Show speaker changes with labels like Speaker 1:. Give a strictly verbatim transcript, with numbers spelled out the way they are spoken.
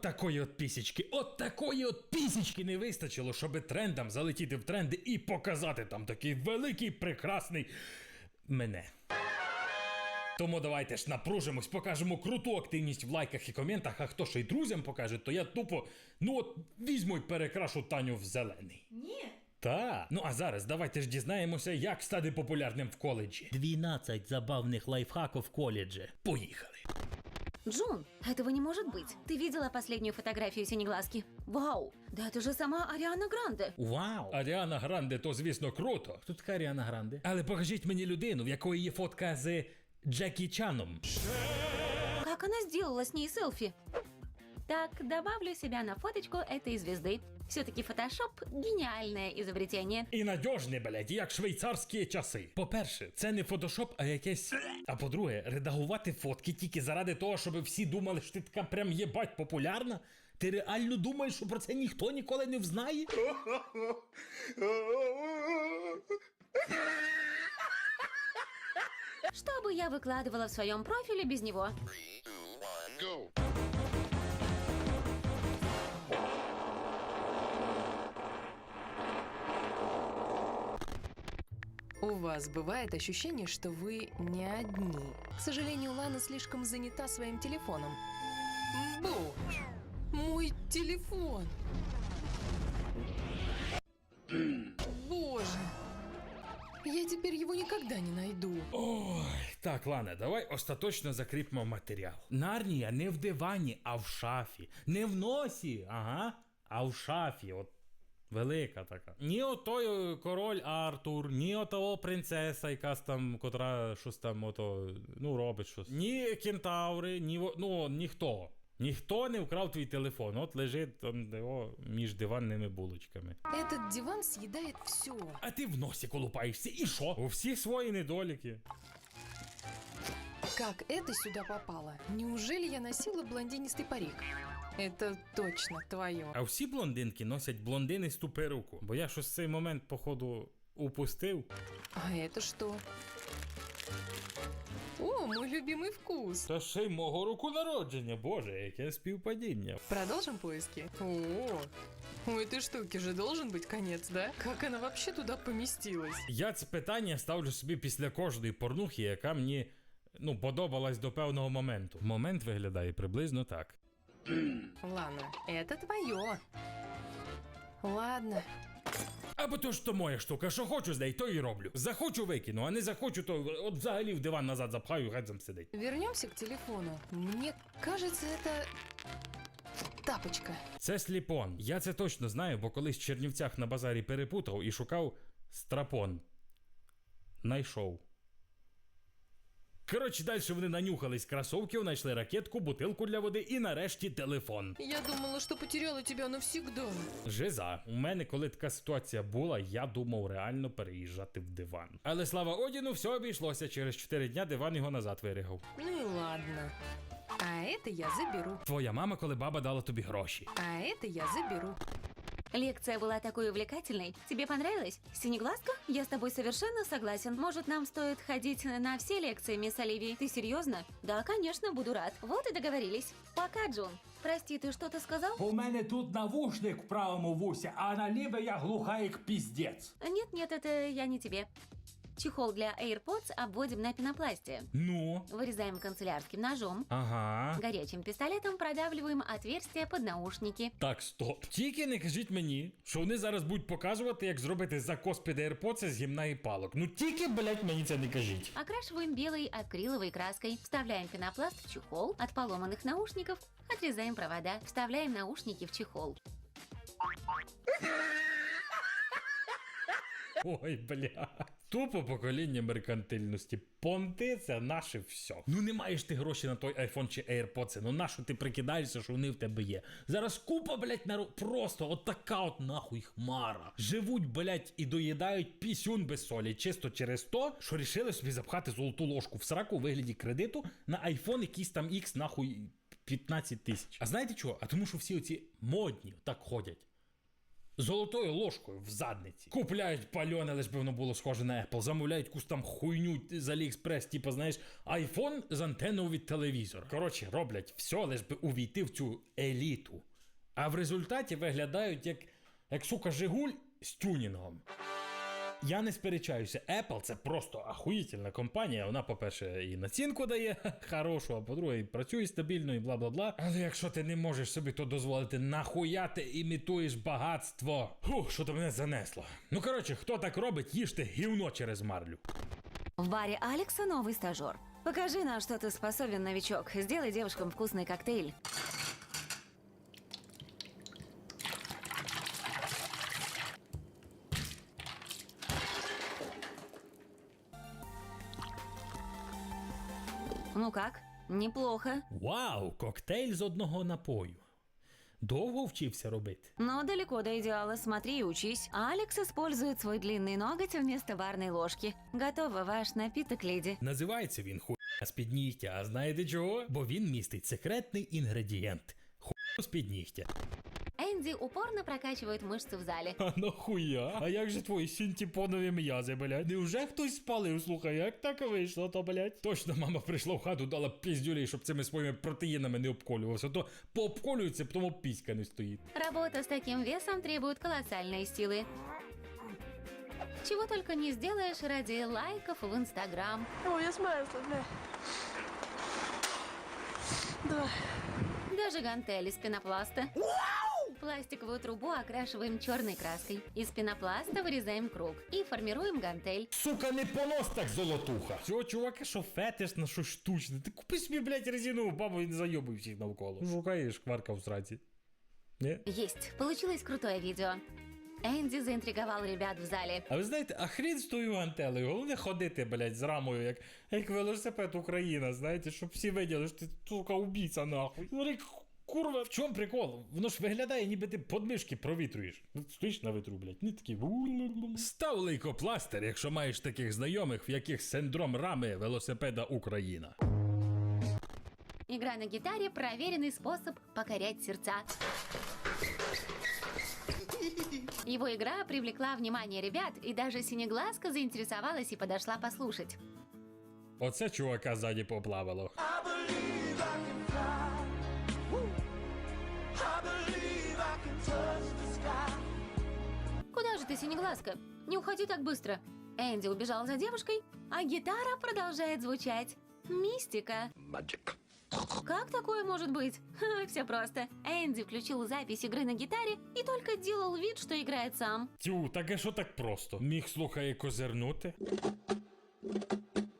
Speaker 1: такої от пісічки, от такої от пісічки не вистачило, щоб трендам залетіти в тренди і показати там такий великий, прекрасний мене. Тому давайте ж напружимось, покажемо круту активність в лайках і коментах, а хто ще й друзям покаже, то я тупо, ну от, візьму й перекрашу Таню в зелений.
Speaker 2: Ні.
Speaker 1: Та, ну а зараз давайте ж дізнаємося, як стати популярним в коледжі. дванадцять забавних лайфхаків в коледжі. Поїхали.
Speaker 3: Джун, этого не может быть. Ты видела последнюю фотографию Синеглазки? Вау, да это же сама Ариана Гранде.
Speaker 1: Вау! Аріана Гранде, то звісно круто. Хто така Аріана Гранде? Але покажіть мені людину, в якої є фотка з Джекі Чаном.
Speaker 3: Как она сделала с ней селфи? Так, добавлю себя на фоточку этой звезды. Все-таки фотошоп – гениальное изобретение.
Speaker 1: І надіжне, блядь, як швейцарські часи. По-перше, це не фотошоп, а якесь... А по-друге, редагувати фотки тільки заради того, щоб всі думали, що ти така прям єбать популярна? Ти реально думаєш, що про це ніхто ніколи не взнає?
Speaker 3: Что бы я выкладывала в своем профиле без него?
Speaker 4: Go.
Speaker 2: У вас бывает ощущение, что вы не одни. К сожалению, Лана слишком занята своим телефоном. Боже, мой телефон! Боже, я теперь его никогда не найду.
Speaker 1: Ой, так, Лана, давай остаточно закріпимо матеріал. Нарнія не в дивані, а в шафі. Не в носі, ага, а в шафі, от. Велика така. Ні отой король Артур, ні отого принцеса, якась там, котра щось там ото, ну, робить щось. Ні кентаври, ні, ну, ніхто. Ніхто не вкрав твій телефон, от лежить там його між диванними булочками.
Speaker 2: Этот диван съедает все.
Speaker 1: А ти в носі колупаєшся, і що? У всіх свої недоліки.
Speaker 2: Как это сюда попало? Неужели я носила блондинистый парик? Это точно твое.
Speaker 1: А всі блондинки носять блондинисту перуку, бо я щось цей момент, походу, упустив.
Speaker 2: А это что? О, мой любимый вкус.
Speaker 1: Та ще й мого року народження, боже, яке співпадіння.
Speaker 2: Продолжим поиски? О, у этой штуки же должен быть конец, да? Как она вообще туда поместилась?
Speaker 1: Я це питання ставлю собі після кожної порнухи, яка мені, ну, подобалась до певного моменту. Момент виглядає приблизно так.
Speaker 2: Ладно, это твое. Ладно.
Speaker 1: Або то ж то моя штука, що хочу з неї, то і роблю. Захочу викину, а не захочу, то от взагалі в диван назад запхаю, геть там сидить.
Speaker 2: Вернемся к телефону. Мне кажется, это тапочка.
Speaker 1: Це сліпон. Я це точно знаю, бо колись в Чернівцях на базарі перепутав і шукав страпон. Найшов. Коротше, далі вони нанюхались кросовків, знайшли ракетку, бутилку для води і нарешті телефон.
Speaker 2: Я думала, что потеряла тебя навсегда.
Speaker 1: Жиза. У мене, коли така ситуація була, я думав реально переїжджати в диван. Але слава Одіну, все обійшлося. Через чотири дня диван його назад вирігав.
Speaker 2: Ну и ладно. А это я заберу.
Speaker 1: Твоя мама, коли баба дала тобі гроші.
Speaker 2: А это я заберу.
Speaker 3: Лекция была такой увлекательной. Тебе понравилось? Синеглазка? Я с тобой совершенно согласен. Может, нам стоит ходить на все лекции, мисс Оливия? Ты серьезно? Да, конечно, буду рад. Вот и договорились. Пока, Джун. Прости, ты что-то сказал?
Speaker 5: У мене тут навушник в правому вусі, а на ліве я глуха як піздець.
Speaker 3: Нет-нет, это я не тебе. Чехол для AirPods обводим на пенопласте.
Speaker 1: Ну?
Speaker 3: Вырезаем канцелярским ножом.
Speaker 1: Ага.
Speaker 3: Горячим пистолетом продавливаем отверстие под наушники.
Speaker 1: Так, стоп. Тільки не кажіть мені, що вони зараз будуть показувати, як зробити закос під AirPods з гімна і палок. Ну тільки, блять, мені це не кажіть.
Speaker 3: Окрашиваем белой акриловой краской. Вставляем пенопласт в чехол. От поломанных наушников отрезаем провода. Вставляем наушники в чехол.
Speaker 1: Ой, бля. Тупо покоління меркантильності. Понти – це наше все. Ну не маєш ти гроші на той айфон чи AirPods, ну нащо ти прикидаєшся, що вони в тебе є? Зараз купа, блять, народ, просто от така от нахуй хмара. Живуть, блять, і доїдають пісюн без солі, чисто через то, що рішили собі запхати золоту ложку в сраку у вигляді кредиту на айфон якийсь там X, нахуй, п'ятнадцять тисяч. А знаєте чого? А тому що всі оці модні так ходять. Золотою ложкою в задниці. Купляють пальоне, лиш би воно було схоже на Apple. Замовляють якусь там хуйню з Аліекспрес, типу, знаєш, айфон з антенною від телевізора. Коротше, роблять все, лиш би увійти в цю еліту. А в результаті виглядають як, як сука, Жигуль з тюнінгом. Я не сперечаюся, Apple це просто ахуїтельна компанія. Вона, по-перше, і націнку дає хорошу, а по-друге, і працює стабільно, і бла-бла-бла. Але якщо ти не можеш собі то дозволити, нахуя ти імітуєш багатство? Фух, що то мене занесло. Ну, коротше, хто так робить, їжте гівно через марлю.
Speaker 3: В баре Алекса новый стажер. Покажи, на что ты способен, новичок. Сделай девушкам вкусный коктейль. Ну как? Неплохо.
Speaker 1: Вау, коктейль з одного напою. Довго вчився робити?
Speaker 3: Но далеко до идеала. Смотри и учись. Алекс использует свой длинный ноготь вместо барной ложки. Готово, ваш напиток, леди.
Speaker 1: Називається він хуйня з піднігтя, а знаєте чого? Бо він містить секретний інгредієнт. Хуйня з піднігтя.
Speaker 3: Энди упорно прокачивает мышцы в зале.
Speaker 1: А нахуя? А як же твої синтепонові м'язи, блядь? Невже хтось спалив? Слухай, як так вийшло, то, блядь? Точно мама прийшла в хату, дала піздюлей, щоб цими своїми протеїнами не обколювався. То пообколюється, потім піська не стоїть.
Speaker 3: Работа с таким весом требует колоссальной силы. Чего только не сделаешь ради лайков в Инстаграм.
Speaker 6: Ой, я смерзла, бля. Давай.
Speaker 3: Даже гантели из пенопласта. Пластиковую трубу окрашиваем черной краской. Из пенопласта вырезаем круг и формируем гантель.
Speaker 1: Сука, не понос так, золотуха. Цього чувака, що фетиш на що штучне. Ти купи собі, блядь, резинову бабу і не зайобуй всіх навколо. Шукаєш кварка в сраці. Не?
Speaker 3: Есть. Получилось крутое видео. Энди заинтриговал ребят в зале.
Speaker 1: А ви знаєте, а хрін з тою гантелею, головне ходити, блядь, з рамою, як, як велосипед Україна, знаєте, щоб всі виділи, що ти, сука, убійця, нахуй. Смотри, курва, в чому прикол? Воно ж виглядає, ніби ти подмишки провітрюєш. Ну, стоїш на витру, блядь, не такі. Став лейкопластир, якщо маєш таких знайомих, в яких синдром рами велосипеда Україна.
Speaker 3: Игра на гитаре – проверенный способ покорять сердца. Его игра привлекла внимание ребят, и даже Синеглазка заинтересовалась и подошла послушать.
Speaker 1: Оце чувака ззаді поплавало.
Speaker 3: Куда же ты, Синеглазка? Не уходи так быстро. Энди убежал за девушкой, а гитара продолжает звучать. Мистика.
Speaker 4: Magic.
Speaker 3: Как такое может быть? Ха, все просто. Энди включил запись игры на гитаре и только делал вид, что играет сам.
Speaker 1: Тю, так а що так просто? Міг, слухай, козирнути?